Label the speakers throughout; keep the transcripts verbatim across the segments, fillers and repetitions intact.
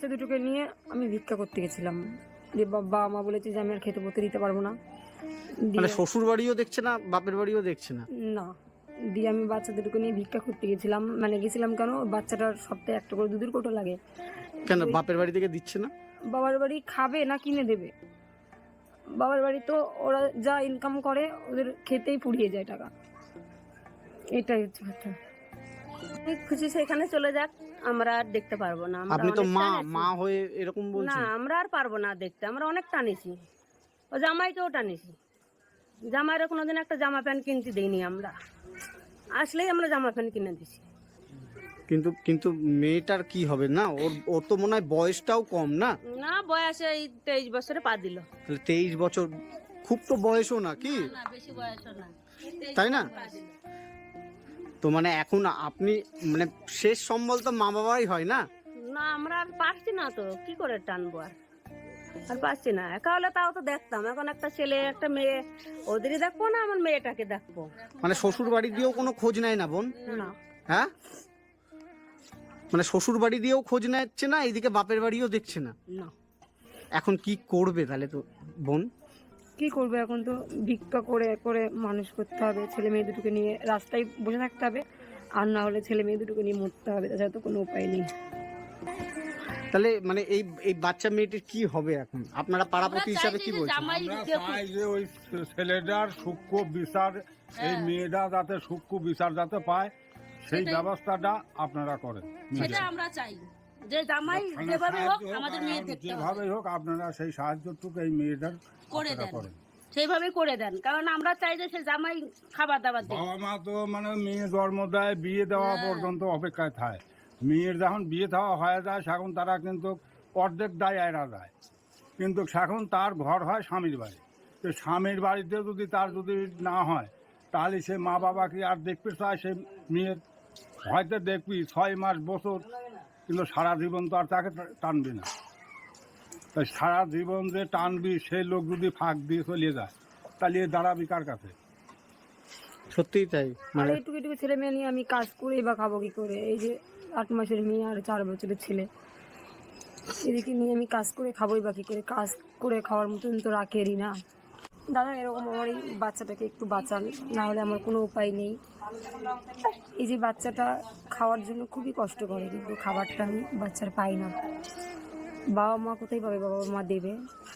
Speaker 1: দুটোকে নিয়ে আমি ভিক্ষা করতে গেছিলাম, যে বাবা মা বলেছে যে আমি আর খেতে পড়তে দিতে পারবো না।
Speaker 2: মানে শ্বশুর বাড়িও দেখছে না, বাপের বাড়িও দেখছে না?
Speaker 1: না, দিয়ে আমি বাচ্চা দুটোকে নিয়ে ভিক্ষা করতে গেছিলাম। মানে গেছিলাম কেন, বাচ্চাটার সপ্তাহে একটা করে দুধের কোটো লাগে।
Speaker 2: কেন বাপের বাড়ি থেকে দিচ্ছে না?
Speaker 1: বাবার বাড়ি খাবে না কিনে দেবে? বাবার বাড়ি তো ওরা যা ইনকাম করে ওদের খেতেই পুড়িয়ে যায় টাকা, এটাই হচ্ছে কথা।
Speaker 3: খুশি সেখানে চলে যাক, আমরা আর দেখতে পারবো না।
Speaker 2: আপনি তো মা মা হয়ে এরকম
Speaker 3: না,
Speaker 2: বলছেন?
Speaker 3: আমরা আর পারবো না দেখতে। আমরা অনেক টানিছি, ও জামাইকেও টানিছি। জামাইরা কোনোদিন একটা জামা প্যান্ট কিনতে দেইনি আমরা, আসলেই আমরা জামা প্যান্ট কিনে দিছি।
Speaker 2: কিন্তু কিন্তু মেয়েটার কি হবে না? ওর ওর তো মনে হয় বয়সটাও কম না?
Speaker 3: না, বয়সে এই তেইশ বছরে পা দিল।
Speaker 2: তাহলে তেইশ বছর খুব তো বয়সও না কি?
Speaker 3: না, বেশি বয়সও না,
Speaker 2: তাই না? তো মানে এখন আপনি মানে শেষ সম্বল তো মা বাবাই হয় না?
Speaker 3: না, আমরা আর পারছি না তো, কি করে টানবো আর আর পারছি না। একা হলে তাও তো দেখতাম। এখন একটা ছেলে একটা মেয়ে, ওদেরই দেখবো না আমার মেয়েটাকে দেখবো?
Speaker 2: মানে শ্বশুর বাড়ি দিয়েও কোনো খোঁজ নেয় না বোন?
Speaker 3: না,
Speaker 2: হ্যাঁ, মানে শ্বশুর বাড়ি দিয়েও খোঁজ নিচ্ছে না, এইদিকে বাপের বাড়িও দেখছে না।
Speaker 3: না।
Speaker 2: এখন কি করবে তাহলে তো বোন?
Speaker 1: কি করবে এখন, তো ভিক্ষা করে করে মানুষ করতে হবে। ছেলে মেয়ে দুটোকে নিয়ে রাস্তায় বসে থাকতে হবে, আর না হলে ছেলে মেয়ে দুটোকে নিয়ে মরতে হবে, তাছাড়া তো কোনো উপায় নেই।
Speaker 2: তাহলে মানে এই এই বাচ্চা মেয়েটির কি হবে এখন? আপনারা পাড়াপতি হিসাবে কি বলছেন?
Speaker 4: আমরা চাই যে ওই ছেলেটার সূক্ষ্ম বিচার, এই মেয়েটা যাতে সূক্ষ্ম বিচার যাতে পায়, সেই ব্যবস্থাটা আপনারা করেন।
Speaker 3: সেটা আমরা চাই, যে জামাই যেভাবে হোক আমাদের মেয়ে দেখতে হবে।
Speaker 4: যেভাবেই হোক আপনারা সেই সাহায্যটুকু এই মেয়েটার
Speaker 3: করে
Speaker 4: আপনারা
Speaker 3: দেন,
Speaker 4: করেন।
Speaker 3: সেইভাবে করে দেন। কারণ আমরা চাই যে সে জামাই খাবার দাবার দেয়।
Speaker 4: বাবা মা তো মানে মেয়ে জন্ম দেয়, বিয়ে দেওয়া পর্যন্ত অপেক্ষায় থাকে। মেয়ের যখন বিয়ে দেওয়া হয়ে যায় তখন তারা কিন্তু অর্ধেক দায় এরা যায়, কিন্তু এখন তার ঘর হয় স্বামীর বাড়ি। তো স্বামীর বাড়িতে যদি তার যদি না হয়, তাহলে সে মা বাবা কি আর দেখতে চায়? সে মেয়ের হয়তো দেখবি ছয় মাস বছর, কিন্তু সারা জীবন তো আর তাকে টানবি না। তাই সারা জীবন যে টানবি, সেই লোক যদি ফাঁক দিয়ে চলে যায়, তাহলে এ দাঁড়াবি কার কাছে?
Speaker 2: সত্যিই তাই।
Speaker 1: আর
Speaker 2: মানে
Speaker 1: এইটুকু এইটুকু ছেলে মেয়ে নিয়ে আমি কাজ করেই বা খাবো কি করে? এই যে আট মাসের মেয়ে আর চার বছরের ছেলে, এদিকে নিয়ে আমি কাজ করে খাবোই বা কি করে? কাজ করে খাওয়ার মতন তো রাখেরই না। দাদা, এরকম আমার এই বাচ্চাটাকে একটু বাঁচান, না হলে আমার কোনো উপায় নেই। এই যে বাচ্চাটা খাওয়ার জন্য খুবই কষ্ট করে, কিন্তু খাবারটা আমি বাচ্চার পাই না। বাবা মা কোথায় পাবে? বাবা মা দেবে?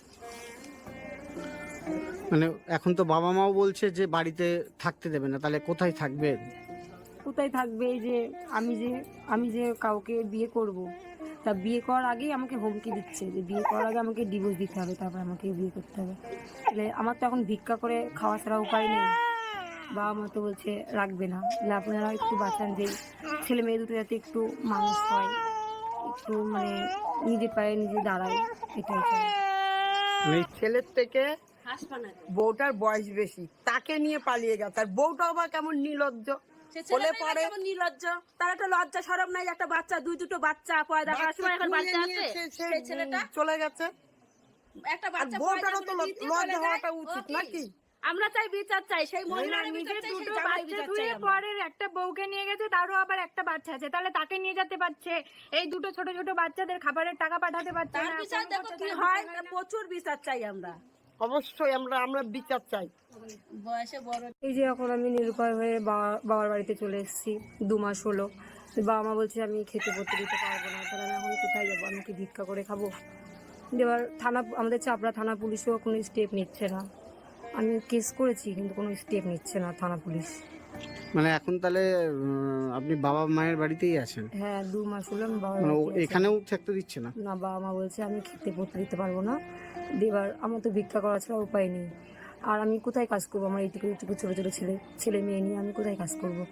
Speaker 2: মানে এখন তো বাবা মাও বলছে যে বাড়িতে থাকতে দেবে না, তাহলে কোথায় থাকবে?
Speaker 1: কোথায় থাকবে? এই যে আমি যে আমি যে কাউকে বিয়ে করব, তা বিয়ে করার আগেই আমাকে হুমকি দিচ্ছে যে বিয়ে করার আগে আমাকে ডিভোর্স দিতে হবে, তারপর আমাকে বিয়ে করতে হবে। তাহলে আমার তো এখন ভিক্ষা করে খাওয়া ছাড়া উপায় নেই। বাবা মা তো বলছে রাখবে না। তাহলে আপনারা একটু বাঁচান, যে ছেলে মেয়ে দুটো যাতে একটু মানুষ হয়, একটু মানে নিজের পায়ে নিজে দাঁড়ায়, এটাই চাই।
Speaker 5: ছেলের থেকে
Speaker 3: হাসপাতালে
Speaker 5: বউটার বয়স বেশি, তাকে নিয়ে পালিয়ে গেছে। আর বউটাও আবার কেমন নির্লজ্জ, বলে পরে
Speaker 3: নির্লজ্জ। তার একটা লজ্জা শরম নাই, একটা বাচ্চা, দুই দুটো বাচ্চা পয়দা করার সময় এখন বাচ্চা আছে, সেই ছেলেটা
Speaker 5: চলে গেছে।
Speaker 3: একটা
Speaker 5: আর
Speaker 3: বাচ্চা
Speaker 5: বউটারও তো লজ্জা হওয়াটা উচিত নাকি?
Speaker 3: আমরা চাই বিচার চাই, সেই মহিলার বিচার
Speaker 1: নিজের
Speaker 3: চাই, সেই
Speaker 1: দুটো
Speaker 3: জামাই
Speaker 1: বাচ্চা
Speaker 3: বিচার
Speaker 1: ধুয়ে
Speaker 3: চাই আমরা।
Speaker 1: পরের একটা বউকে নিয়ে গেছে, তারও আবার একটা বাচ্চা আছে, তাহলে তাকে নিয়ে যেতে পারছে। এই দুটো ছোট ছোট বাচ্চাদের খাবারের টাকা পাঠাতে পারছে
Speaker 3: তার
Speaker 1: না।
Speaker 3: বিচার দেখো কি হয়, প্রচুর বিচার চাই আমরা।
Speaker 5: অবশ্যই আমরা আমরা বিচার চাই।
Speaker 3: বয়সে বড়
Speaker 1: এই যে এখন আমি নিরুপায় হয়ে বাবা- বাবার বাড়িতে চলে এসেছি, দু মাস হলো। তো বাবা মা বলছে আমি খেতে পড়তে দিতে পারবো না, তাহলে আমি এখন কোথায় যাবো? আমি কি ভিক্ষা করে খাবো? এবার থানা, আমাদের চাপড়া থানা পুলিশও কোনো স্টেপ নিচ্ছে না। আমি কেস করেছি, কিন্তু কোনো স্টেপ নিচ্ছে না থানা পুলিশ।
Speaker 2: মানে এখন তাহলে উম, আপনি বাবা মায়ের বাড়িতেই আছেন?
Speaker 1: হ্যাঁ, দু মাস হলো আমি বাবার
Speaker 2: মানে ও
Speaker 1: বাড়িতে আছি।
Speaker 2: এখানেও থাকতে দিচ্ছে না?
Speaker 1: না, বাবা মা বলছে আমি খেতে পড়তে দিতে পারবো না। দিয়ে এবার আমার তো ভিক্ষা করা ছাড়া উপায় নেই। আর আমি কোথায় কাজ করবো? আমার এইটুকু এইটুকু ছোটো ছোটো ছেলে ছেলে মেয়ে নিয়ে আমি কোথায় কাজ করবো?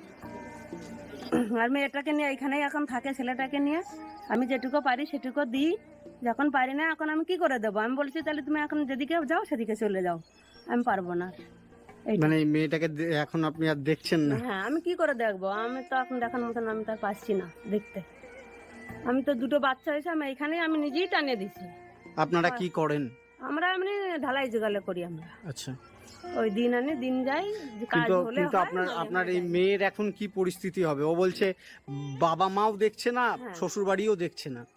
Speaker 3: আর মেয়েটাকে নিয়ে এখানেই এখন থাকে, ছেলেটাকে নিয়ে আমি যেটুকু পারি সেটুকু দিই। যখন পারি না, এখন আমি কি করে দেবো? আমি বলছি তাহলে তুমি এখন যেদিকে যাও সেদিকে চলে যাও, আমি পারবো না। এইটা।
Speaker 2: মানে এই মেয়েটাকে দে- এখন আপনি আর দেখছেন না?
Speaker 3: হ্যাঁ, আমি কি করে দেখবো? আমি তো এখন দেখার মতন আমি তো আর পাচ্ছি না দেখতে। আমি তো দুটো বাচ্চা হয়েছে, আমি এখানে আমি নিজেই টানিয়ে দিছি।
Speaker 2: আপনারা কি করেন?
Speaker 3: আমরা এমনি ঢালাই জোগালে করি আমরা,
Speaker 2: আচ্ছা,
Speaker 3: ওই দিন আনি দিন যাই, যে কাজ
Speaker 2: কিন্তু
Speaker 3: হলে
Speaker 2: কিন্তু
Speaker 3: হয়,
Speaker 2: আপনার
Speaker 3: নাহলে
Speaker 2: আপনার
Speaker 3: হয়
Speaker 2: এই
Speaker 3: না।
Speaker 2: মেয়ের এখন কি পরিস্থিতি হবে? ও বলছে বাবা মাও দেখছে না,
Speaker 3: হ্যাঁ।
Speaker 2: শ্বশুর বাড়িও দেখছে না।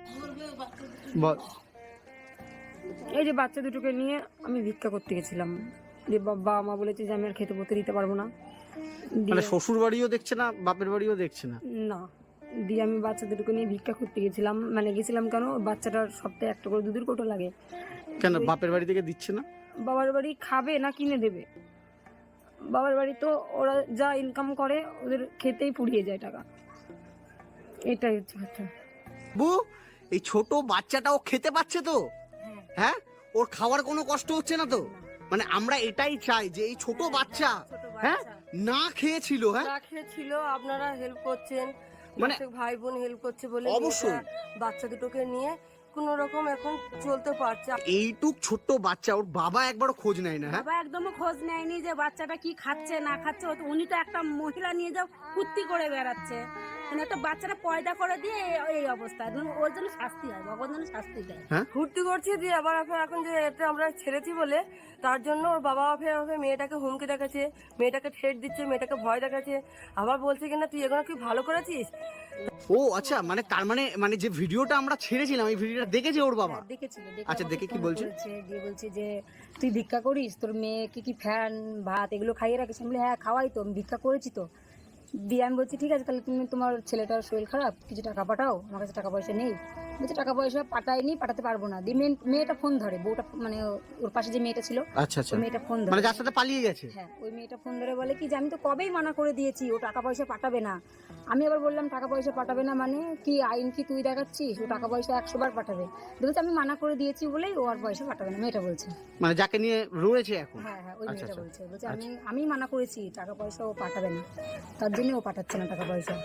Speaker 2: বল।
Speaker 1: এই যে বাচ্চা দুটোকে নিয়ে আমি ভিক্ষা করতে গেছিলাম, যে বাবা মা বলেছে যে আমি আর খেতে পড়তে দিতে পারবো না,
Speaker 2: মানে
Speaker 1: দিয়ে
Speaker 2: শ্বশুর বাড়িও দেখছে না, বাপের বাড়িও দেখছে না?
Speaker 1: না, দিয়ে আমি বাচ্চা দুটোকে নিয়ে ভিক্ষা করতে গেছিলাম। মানে গেছিলাম কেন, বাচ্চাটার সপ্তাহে একটা করে দুধের কোটো লাগে।
Speaker 2: কেন বাপের বাড়ি থেকে দিচ্ছে না?
Speaker 1: বাবার বাড়ি খাবে না কিনে দেবে? বাবার বাড়ি তো ওরা যা ইনকাম করে ওদের খেতেই পুড়িয়ে যায় টাকা, এটাই হচ্ছে কথা।
Speaker 2: বু, এই ছোট বাচ্চাটাও খেতে পাচ্ছে তো? হ্যাঁ, ওর খাওয়ার কোনো কষ্ট হচ্ছে না তো? মানে আমরা এটাই চাই যে এই ছোট বাচ্চা, হ্যাঁ, না খেয়েছিল, হ্যাঁ,
Speaker 5: না খেয়েছিল, আপনারা হেল্প করছেন,
Speaker 2: মানে
Speaker 5: মানে ভাই বোন হেল্প করছে বলে
Speaker 2: অবশ্যই।
Speaker 5: মেয়েটা বাচ্চা দুটোকে নিয়ে কোন রকম এখন চলতে পারছে।
Speaker 2: এইটুক ছোট্ট বাচ্চা, ওর বাবা একবারও খোঁজ নেয় না, হ্যাঁ?
Speaker 3: বাবা একদমই খোঁজ নেয়নি যে বাচ্চাটা কি খাচ্ছে না খাচ্ছে। ও তো- উনি তো একটা মহিলা নিয়ে যাও কুত্তি করে বেড়াচ্ছে, মানে একটা বাচ্চাটা পয়দা করে দিয়ে এই- এই অবস্থা। একদম ওর জন্য শাস্তি হয়, ভগবান জন্য শাস্তি দেয়।
Speaker 5: ফুর্তি করছে দিয়ে আবার এখন এখন যে এটা আমরা ছেড়েছি বলে তার জন্য ওর বাবা ফের ওকে মেয়েটাকে হুমকি দেখাচ্ছে, মেয়েটাকে ঠেট দিচ্ছে, মেয়েটাকে ভয় দেখাচ্ছে, আবার বলছে কিনা তুই এগুলো কি ভালো করেছিস।
Speaker 2: ও আচ্ছা, মানে তার মানে মানে যে ভিডিওটা আমরা ছেড়েছিলাম এই ভিডিওটা দেখেছে ওর বাবা?
Speaker 1: হ্যাঁ, দেখেছিল।
Speaker 2: আচ্ছা, দেখে কি বলছে?
Speaker 1: দিয়ে বলছে যে তুই ভিক্ষা করিস, তোর মেয়েকে কি ফ্যান ভাত এগুলো খাইয়ে রাখিস? আমি বলি হ্যাঁ খাওয়াই তো, আমি ভিক্ষা করেছি তো। দিয়ে আমি বলছি ঠিক আছে, তাহলে তুমি তোমার ছেলেটার শরীর খারাপ, কিছু টাকা পাঠাও, আমার কাছে টাকা পয়সা নেই। বলছে টাকা পয়সা পাঠাইনি, পাঠাতে পারবো না। দিয়ে মেয়ে- মেয়েটা ফোন ধরে, বউটা মানে ওর পাশে যে মেয়েটা ছিল,
Speaker 2: আচ্ছা আচ্ছা,
Speaker 1: ওই মেয়েটা ফোন ধরে,
Speaker 2: মানে যার সাথে পালিয়ে গেছে?
Speaker 1: হ্যাঁ ওই মেয়েটা ফোন ধরে বলে কি যে আমি তো কবেই মানা করে দিয়েছি, ও টাকা পয়সা পাঠাবে না। আমি আবার বললাম টাকা পয়সা পাঠাবে না মানে কি, আইন কি তুই দেখাচ্ছিস? ও টাকা পয়সা একশো বার পাঠাবে। বলছে আমি মানা করে দিয়েছি বলেই ও আর পয়সা পাঠাবে না, মেয়েটা বলছে।
Speaker 2: মানে যাকে নিয়ে রয়েছে এখন?
Speaker 1: হ্যাঁ হ্যাঁ ওই
Speaker 2: আচ্ছা,
Speaker 1: মেয়েটা
Speaker 2: আচ্ছা।
Speaker 1: বলছে, বলছে আমি আমি মানা করেছি টাকা পয়সা ও পাঠাবে না, তার জন্য ও পাঠাচ্ছে না টাকা পয়সা।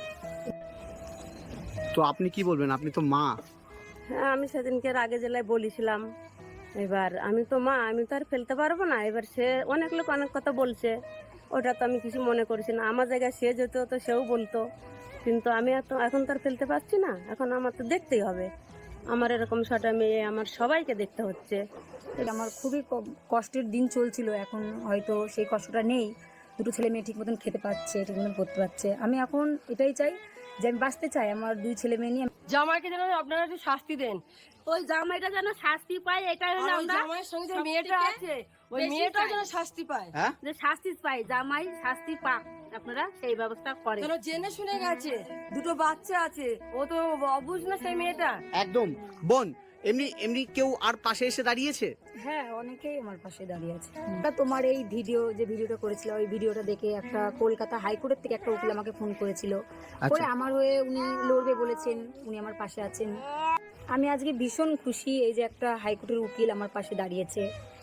Speaker 2: তো আপনি কি বলবেন, আপনি তো মা?
Speaker 3: হ্যাঁ, আমি সেদিনকে আগে জেলায় বলেছিলাম, এবার আমি তো মা, আমি তো আর ফেলতে পারবো না। এবার সে অনেক লোক অনেক কথা বলছে, ওটা তো আমি কিছু মনে করছি না। আমার জায়গায় সে যেত তো সেও বলতো, কিন্তু আমি এত এখন তো আর ফেলতে পারছি না। এখন আমার তো দেখতেই হবে, আমার এরকম ছটা মেয়ে, আমার সবাইকে দেখতে হচ্ছে।
Speaker 1: এটা আমার খুবই ক- কষ্টের দিন চলছিল, এখন হয়তো সেই কষ্টটা নেই। দুটো ছেলে মেয়ে ঠিক মতন খেতে পাচ্ছে, ঠিক মতন করতে পারছে। আমি এখন এটাই চাই যে আমি বাঁচতে চাই, আমার দুই ছেলে মেয়ে নিয়ে।
Speaker 5: জামাইকে যেন আপনারা একটু শাস্তি দেন,
Speaker 3: ওই জামাইটা যেন শাস্তি পায়, এটাই হলো
Speaker 5: আর ওই
Speaker 3: আমরা
Speaker 5: জামাইয়ের সঙ্গে যে
Speaker 3: সবথেকে
Speaker 5: মেয়েটা আছে ওই
Speaker 3: বেশি
Speaker 5: মেয়েটাও
Speaker 3: চাই।
Speaker 5: যেন শাস্তি পায়,
Speaker 2: হ্যাঁ,
Speaker 3: যে শাস্তি পাই, জামাই শাস্তি পাক, আপনারা সেই ব্যবস্থা করেন।
Speaker 5: কেন জেনে শুনে গেছে, দুটো বাচ্চা আছে, ও তো অবুঝ না সেই মেয়েটা।
Speaker 2: একদম। বোন, এমনি এমনি কেউ আর পাশে এসে দাঁড়িয়েছে?
Speaker 1: হ্যাঁ অনেকেই আমার পাশে দাঁড়িয়ে আছে। তা তোমার এই ভিডিও যে ভিডিওটা করেছিল, ওই ভিডিওটা দেখে একটা কলকাতা হাইকোর্টের থেকে একটা উকিল আমাকে ফোন করেছিল, করে আমার হয়ে উনি লড়বে বলেছেন, উনি আমার পাশে আছেন। আমি আজকে ভীষণ খুশি, এই যে একটা হাইকোর্টের উকিল আমার পাশে দাঁড়িয়েছে।